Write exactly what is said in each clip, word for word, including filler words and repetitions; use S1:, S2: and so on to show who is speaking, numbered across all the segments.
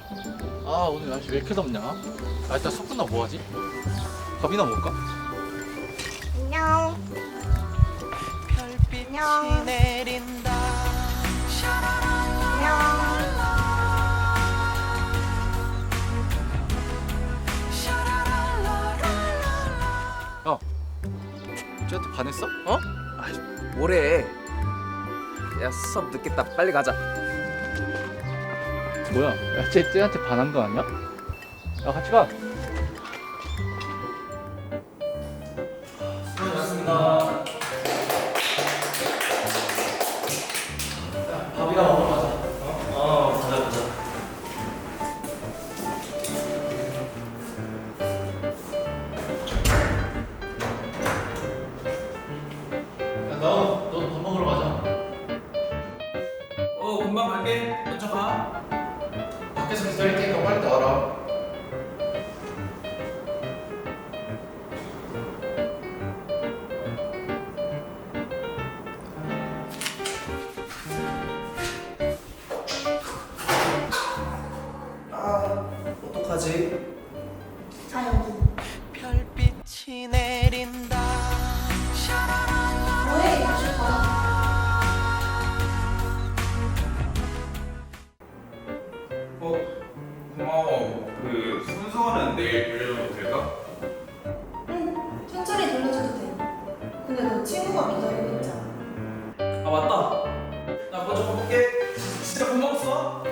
S1: 아 오늘 날씨 왜 이렇게 덥냐? 아 일단 석훈아 뭐하지? 밥이나 먹을까?
S2: 안녕.
S3: 별빛이
S2: 안녕.
S3: 내린다.
S2: 안녕.
S1: 야 쟤한테 반했어?
S4: 어? 아이, 뭐래? 야, 수업 늦겠다. 빨리 가자.
S1: 뭐야 야쟤 쟤한테 반한 거 아니야? 야 같이 가. 수고하셨습니다. 밥이나 먹으러 가자. 어? 어 가자 가자. 야 너, 너도 밥 먹으러 가자.
S5: 어 금방 갈게. 먼저 가.
S1: 밖에서 기다릴 테니까 빨리 나와라.
S4: 아, 어떡하지?
S2: 자 여기.
S3: 별빛이 내린다.
S2: 뭐해? 다시 가.
S5: 어 고마워. 그 순서는 내일 돌려도 될까?
S2: 응. 천천히 돌려줘도 돼. 근데 너 친구가 기다리고 있잖아.
S5: 아 맞다. 나 먼저 가볼게. 진짜 고마웠어.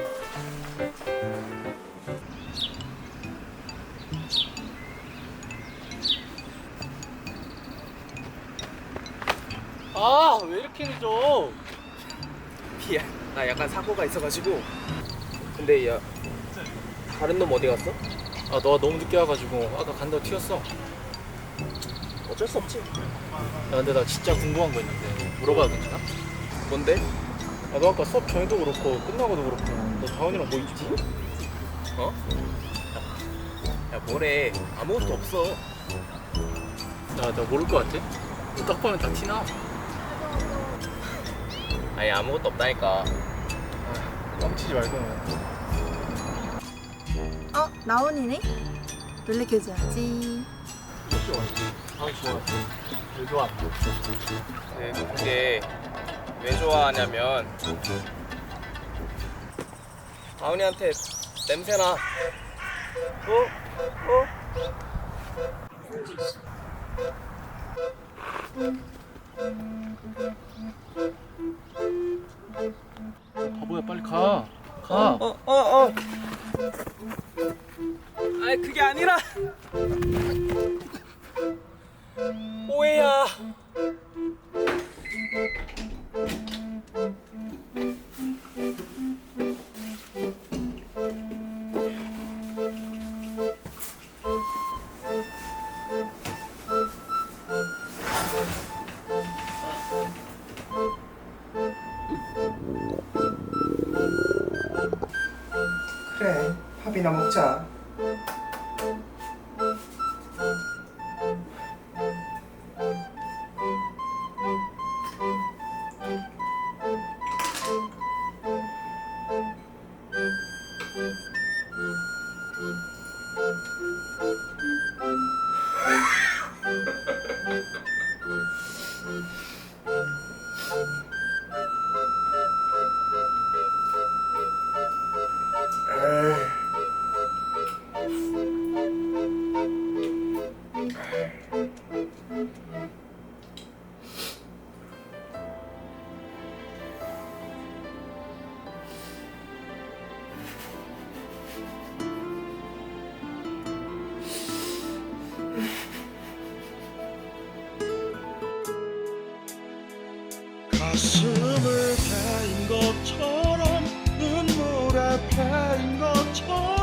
S1: 아 왜 이렇게 늦어?
S4: 미안. 나 약간 사고가 있어가지고. 근데 야, 다른 놈 어디 갔어?
S1: 아 너가 너무 늦게 와가지고 아까 간다고 튀었어.
S4: 어쩔 수 없지.
S1: 야 근데 나 진짜 궁금한 거 있는데 물어봐도 괜찮아?
S4: 뭔데?
S1: 아 너 아까 수업 전에도 그렇고 끝나고도 그렇고 너 다원이랑 뭐 있지?
S4: 어? 야, 뭐래? 아무것도 없어.
S1: 야 나 모를 것 같아? 너 딱 보면 다 티나.
S4: 아니, 아무것도 없다니까.
S1: 아, 뻥치지 말고.
S2: 어? 나온이네? 놀래켜줘야지.
S1: 아 좋아. 왜 좋아?
S4: 네, 그게 왜 좋아하냐면 다운이한테 냄새나. 어? 어?
S1: 바보야 빨리 가. 가.
S4: 어? 어? 어? 아이, 그게 아니라 오해야.
S6: 그래, 밥이나 먹자.
S7: 가슴을 베인 것처럼 눈물에 패인 것처럼